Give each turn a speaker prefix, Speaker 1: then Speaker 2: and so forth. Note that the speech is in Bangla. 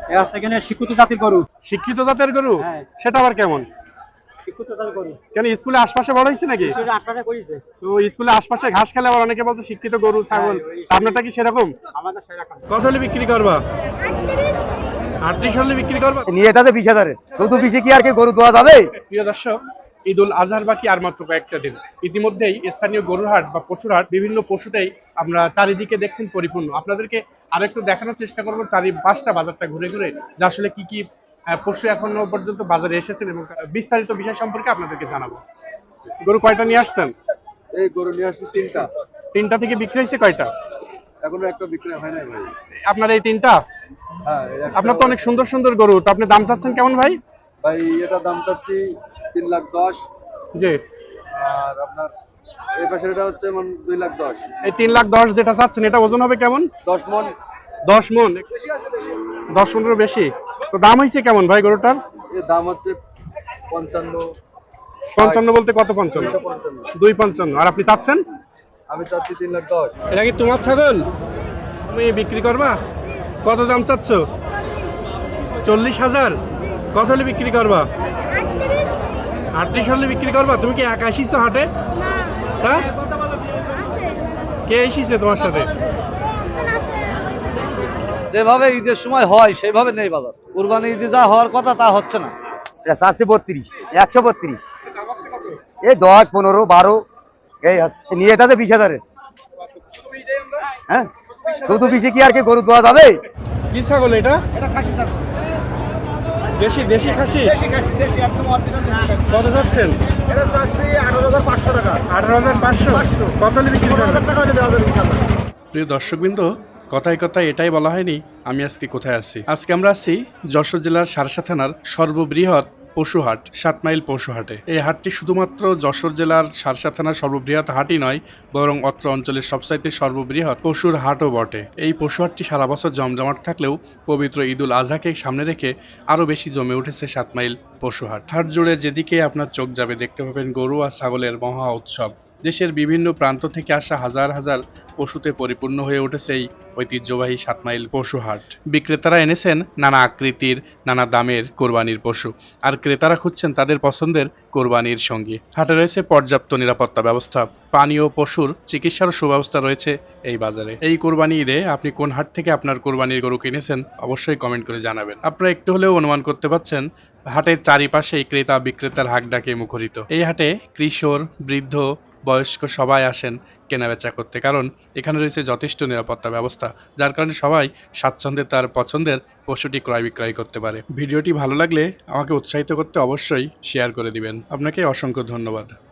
Speaker 1: সেখানে শিক্ষিত জাতির গরু।
Speaker 2: শিক্ষিত জাতের গরু?
Speaker 1: হ্যাঁ।
Speaker 2: সেটা আবার কেমন?
Speaker 1: শিক্ষিত জাতির গরু
Speaker 2: কেন স্কুলে আশপাশে বড় হয়েছে নাকি?
Speaker 1: স্কুলের আশপাশে করেছে।
Speaker 2: তো স্কুলে আশপাশে ঘাস খেলে আবার অনেকে বলছে শিক্ষিত গরু ছাগল, আপনারটা কি সেরকম?
Speaker 1: আমাদের সেরকম।
Speaker 2: কত হলে বিক্রি করবা? 38 হলে বিক্রি করবা?
Speaker 3: নিয়ে তাতে 20,000 শুধু বেশি কি আর কি গরু দেওয়া যাবে?
Speaker 2: প্রিয় দর্শক, ঈদ উল আজহার বাকি আর মাত্র কয়েকটা দিন। ইতিমধ্যেই স্থানীয় গরুর হাট বা পশুর হাট বিভিন্ন পশুতেই আমরা চারিদিকে দেখছেন পরিপূর্ণ। আপনাদেরকে আরেকটু দেখানোর চেষ্টা করবো চারিপাশটা বাজারটা ঘুরে ঘুরে যে আসলে কি কি পশু এখনো পর্যন্ত বাজারে এসেছেন এবং বিস্তারিত বিষয় সম্পর্কে আপনাদেরকে জানাবো। গরু কয়টা নিয়ে আসছেন?
Speaker 4: এই গরু নিয়ে আসছি 3টা।
Speaker 2: 3টা থেকে বিক্রি হয়েছে কয়টা?
Speaker 4: এখনো একটা বিক্রি হয় নাই ভাই।
Speaker 2: আপনার এই 3টা?
Speaker 4: হ্যাঁ,
Speaker 2: আপনার তো অনেক সুন্দর সুন্দর গরু, তো আপনি দাম চাচ্ছেন কেমন ভাই?
Speaker 4: ভাই এটা দাম চাচ্ছি 3,10,000।
Speaker 2: জি।
Speaker 4: আর আপনার এই পাশের এটা হচ্ছে 2,10,000।
Speaker 2: এই 3,10,000 যেটা চাচ্ছেন এটা ওজন হবে কেমন?
Speaker 4: 10 মণ।
Speaker 2: 10 মণ? 10 মণেরও বেশি। তো দাম হয়েছে কেমন ভাই গরুটার?
Speaker 4: এর দাম হচ্ছে 55।
Speaker 2: 55 বলতে কত? 55?
Speaker 4: 255।
Speaker 2: 255। আর আপনি চাচ্ছেন?
Speaker 4: আমি চাচ্ছি 3,10,000।
Speaker 2: এটা কি তোমার ছাগল? তুমি বিক্রি করবা? কত দাম চাচ্ছ? 40,000? কত হলে বিক্রি করবা? 38 হলে বিক্রি করবা? তুমি কি একা আসিস হাটে? হ্যাঁ, কে এসেছে তোমার সাথে?
Speaker 5: যেভাবে ঈদের সময় হয় সেভাবে নেই বাজার। কুরবানি ঈদে যা হওয়ার কথা তা হচ্ছে না।
Speaker 3: এটা 432, 132। এই 10, 15, 12 এই নিয়ে তাতে 20,000। হ্যাঁ, শুধু বেশি কি আর কি গরু দেওয়া যাবে?
Speaker 2: কি ছাগল এটা?
Speaker 1: এটা খাসি ছাগল।
Speaker 2: দেশি দেশি খাসি?
Speaker 1: দেশি একদম অরিজিনাল দেশি খাসি।
Speaker 2: কত যাচ্ছেন?
Speaker 1: এটা চাচ্ছি 18,500 টাকা।
Speaker 2: 18,500? কত হলে বিক্রি করবেন?
Speaker 1: 16,000 টাকা হলে দেওয়া যাবে ইনশাআল্লাহ।
Speaker 2: প্রিয় দর্শকবৃন্দ, কথায় কথায় এটাই বলা হয়নি আমি আজকে কোথায় আছি। আজকে আমরা আছি যশোর জেলার সারসা থানার সর্ববৃহৎ পশু হাট 7 মাইল পশু হাটে। এই হাটটি শুধুমাত্র যশোর জেলার সারসা থানার সর্ববৃহৎ হাটই নয়, বরং অত্র অঞ্চলের সবচাইতে সর্ববৃহৎ পশুর হাটও বটে। এই পশু হাটটি সারা বছর জমজমাট থাকলেও পবিত্র ঈদ উল আজহাকে সামনে রেখে আরো বেশি জমে উঠেছে 7 মাইল পশু হাট। হাট জুড়ে যেদিকে আপনার চোখ যাবে দেখতে পাবেন গরু আর ছাগলের মহা উৎসব। দেশের বিভিন্ন প্রান্ত থেকে আসা হাজার হাজার পশুতে পরিপূর্ণ হয়ে উঠেছে এই ঐতিহ্যবাহী 7 মাইল পশু হাট। বিক্রেতারা এনেছেন নানা আকৃতির, নানা দামের কোরবানির পশু, আর ক্রেতারা খুঁজছেন তাদের পছন্দের কোরবানির সঙ্গী। হাটে রয়েছে পর্যাপ্ত নিরাপত্তা ব্যবস্থা, পানি ও পশুর চিকিৎসার সুব্যবস্থা রয়েছে এই বাজারে। এই কোরবানি ঈদে আপনি কোন হাট থেকে আপনার কোরবানির গরু কিনেছেন অবশ্যই কমেন্ট করে জানাবেন। আপনারা একটু হলেও অনুমান করতে পারছেন হাটের চারিপাশেই ক্রেতা বিক্রেতার হাক ডাকে মুখরিত। এই হাটে কিশোর, বৃদ্ধ, বয়স্ক সবাই আসেন কেনাবেচা করতে, কারণ এখানে রয়েছে যথেষ্ট নিরাপত্তা ব্যবস্থা, যার কারণে সবাই স্বাচ্ছন্দ্যে তার পছন্দের পশুটি ক্রয় বিক্রয় করতে পারে। ভিডিওটি ভালো লাগলে আমাকে উৎসাহিত করতে অবশ্যই শেয়ার করে দিবেন। আপনাকে অসংখ্য ধন্যবাদ।